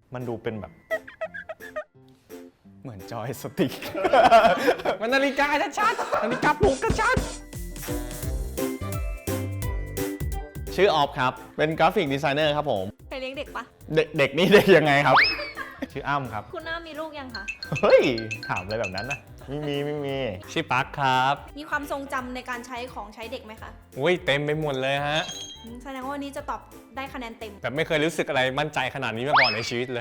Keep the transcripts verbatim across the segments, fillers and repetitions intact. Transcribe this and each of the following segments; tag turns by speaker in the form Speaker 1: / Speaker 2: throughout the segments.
Speaker 1: มันดูเป็นแบบเหมือนจอยสติ๊ก
Speaker 2: มันนาฬิกาชัดๆนาฬิกาปลุกก็ชัดชื่อออฟครับเป็นกราฟิกดีไซเนอร์ครับผม
Speaker 3: เคยเลี้ยงเด็กปะ
Speaker 2: เด็กเด็กนี่เด็กยังไงครับ
Speaker 1: ชื่ออ้ำครับ
Speaker 3: คุณน้ามีลูกยังคะ
Speaker 1: เฮ้ยถามอะไรแบบนั้นนะไม่มีไม่มี
Speaker 2: ชื่อปักครับ
Speaker 3: มีความทรงจำในการใช้ของใช้เด็กไหมคะ
Speaker 2: อุ้ยเต็มไปหมดเลยฮะ
Speaker 3: อืมแสดงว่าวันนี้จะตอบได้คะแนนเต็ม
Speaker 2: แบบไม่เคยรู้สึกอะไรมั่นใจขนาดนี้มาก่อนในชีวิตเลย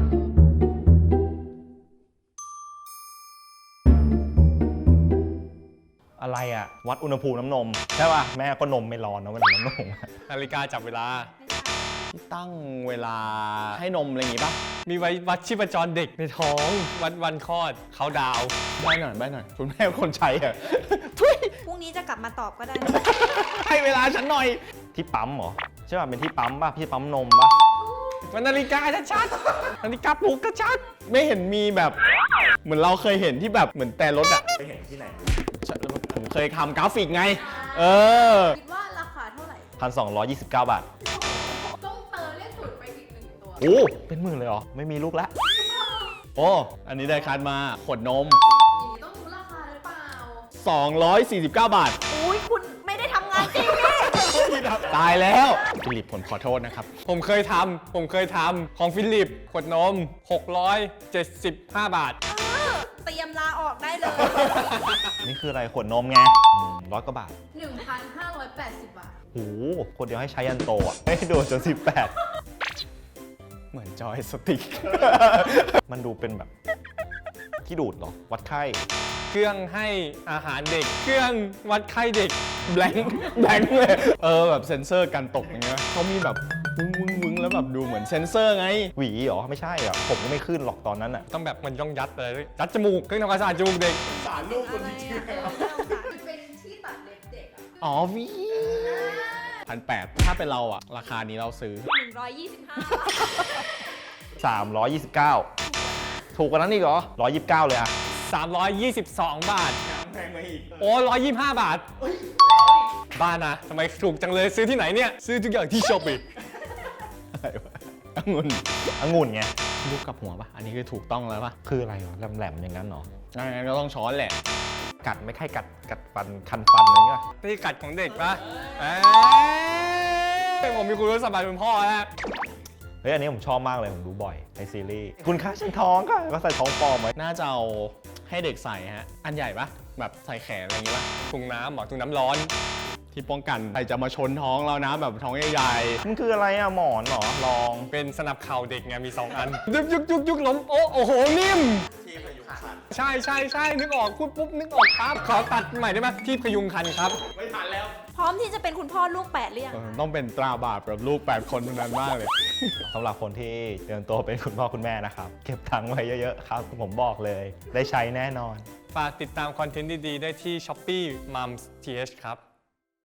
Speaker 1: อะไรอะวัดอุณหภูมิน้ำนมใช่ป่ะแม่ก็นมไม่ร้อนนะวันนี้น้ำนม
Speaker 2: นาฬิกาจับเวลา
Speaker 3: ไม่ใช่
Speaker 2: ตั้งเวลาให้นมอะไรอย่างงี้ป่ะมีไว้วัดชีพจรเด็กในท้องวัดวันคลอดเขาดาวใบหน่อยใบหน่อยคุณแม่เป็นคนใช้อะ ทุย
Speaker 3: พรุ่งนี้จะกลับมาตอบก็ได้นะ
Speaker 2: ให้เวลาฉันหน่อย
Speaker 1: ที่ปั๊มเหรอใช่ป่ะเป็นที่ปั๊มป่ะพี่ปั๊มนมป่ะ
Speaker 2: มันนาฬิกาชัดๆนาฬิกาปลุกก็ชัดไม่เห็นมีแบบเหมือนเราเคยเห็นที่แบบเหมือนแต่รถอะ
Speaker 1: ไปเห็นที่ไหน
Speaker 2: ผมเคยทำกราฟิกไงเออ
Speaker 4: คิดว่าราคาเท่าไหร่
Speaker 1: พันสองร้อยยี่สิบเก้าบาท
Speaker 4: ต้องเติมเลขศูนย์ไปอีกหนึ่งตัว
Speaker 1: โอ้เป็นหมื่นเลยเหรอไม่มีลูกแล้ว
Speaker 2: โอ้อันนี้ได้คัดมาขวดนม
Speaker 4: อย่างนี้ต้องรู้ราคาหรือเปล่า
Speaker 2: สองร้อยสี่สิบเก้า บาท
Speaker 3: อุ้ยคุณไม่ได้ทำงานจริงนี่
Speaker 2: ตายแล้วฟิลิปผมขอโทษนะครับ ผมเคยทำผมเคยทำของฟิลิปขวดนมหกร้อยเจ็ดสิบห้า บาท
Speaker 3: เออเตรียมลาออกได้เลย
Speaker 1: นี่คืออะไรขวดนมไงร้อยกว่าบาท
Speaker 4: หนึ่งพันห้าร้อยแปดสิบ บาท
Speaker 1: โอ้โหคนเดียวให้ใช้ยันโตอ่ะให้โดนจนสิบแปดเหมือนจอยสติ๊ก มันดูเป็นแบบที่ดูดเหรอวัดไข้
Speaker 2: เครื่องให้อาหารเด็ก เครื่องวัดไข้เด็กแบงค์แบงค์เลยเออแบบเซ็นเซอร์การตกอย่างเงี้ยเขามีแบบวึ้งวึ้งวึ้งแล้วแบบดูเหมือนเซ็นเซอร์ไง
Speaker 1: หวีเหรอไม่ใช่อ่ะผมก็ไม่ขึ้นหรอกตอนนั้นอ่ะ
Speaker 2: ต้องแบบมันต้องยัดเลยยัดจมูกเครื่องทำความสะอาดจมูกเด็ก
Speaker 3: สารลูกคนจริงๆ
Speaker 4: เป็นที่ตัดเล็บเด็กอะ
Speaker 2: อ๋อวีพันแปดถ้าเป็นเราอะราคานี้เราซื้อ
Speaker 3: หนึ่งร้อยยี่สิบห้า
Speaker 1: สามร้อยยี่สิบเก้าถูกกว่านั้นอีกเหรอร้อยยี่สิบเก้าเลยอ่ะ
Speaker 2: สามร้อยยี่สิบสอง บาทแพงมาอีกโอ้ร้อยยี่สิบห้า บาทบ้านะทำไมถูกจังเลยซื้อที่ไหนเนี่ย ซื้อทุกอย่างที่ช้อปปี้
Speaker 1: อะไรวะองุ่นองุ่นไง
Speaker 2: ลูกกับหัวปะอันนี้คือถูกต้องแล้วปะ
Speaker 1: คืออะไรวะแหลมๆอย่างนั้นเหรอ
Speaker 2: งั้นก็ต้องช้อนแหละ
Speaker 1: กัดไม่ใช่กัดกัดฟันคันฟันอะไรเงี้ย
Speaker 2: นี่กัดของเด็กปะเอ้ยผมมีคุณรู้สบายเป็นพ่อแล้ว
Speaker 1: เฮ้ยอันนี้ผมชอบมากเลยผมดูบ่อยในซีรีส์คุณค่าฉันท้องค่ะก็ใส่ท้องปลอมไว้
Speaker 2: น่าจะเอาให้เด็กใส่ฮะ อันใหญ่ปะแบบใส่แขนอะไรอย่างงี้ปะถุงน้ำหรอถุงน้ำร้อน ที่ป้องกันใครจะมาชนท้องเรานะแบบท้องใหญ่
Speaker 1: มันคืออะไรอะหมอนเหรอลอง
Speaker 2: ๆเป็นสนับเข่าเด็กไงมีสองอัน ยุกยุกยุกยุกล้มโอ้โอ้โหนิ่มใช่ใช่ใช่นึกออกพูดปุ๊บนึกออกปั๊บขอตัดใหม่ได้ไหมที่พยุงคันครับ
Speaker 3: พร้อมที่จะเป็นคุณพ่อลูกแปดหรือยัง
Speaker 2: เออต้องเป็นตราบาปแบบลูกแปดคนเท่านั้นมากเลย
Speaker 1: สำหรับคนที่เตรียมตัวเป็นคุณพ่อคุณแม่นะครับ เก็บตังค์ไว้เยอะๆครับ ผมบอกเลย ได้ใช้แน่นอน
Speaker 2: ฝากติดตามคอนเทนต์ดีๆได้ที่ Shopee Mums ที เอช ครับ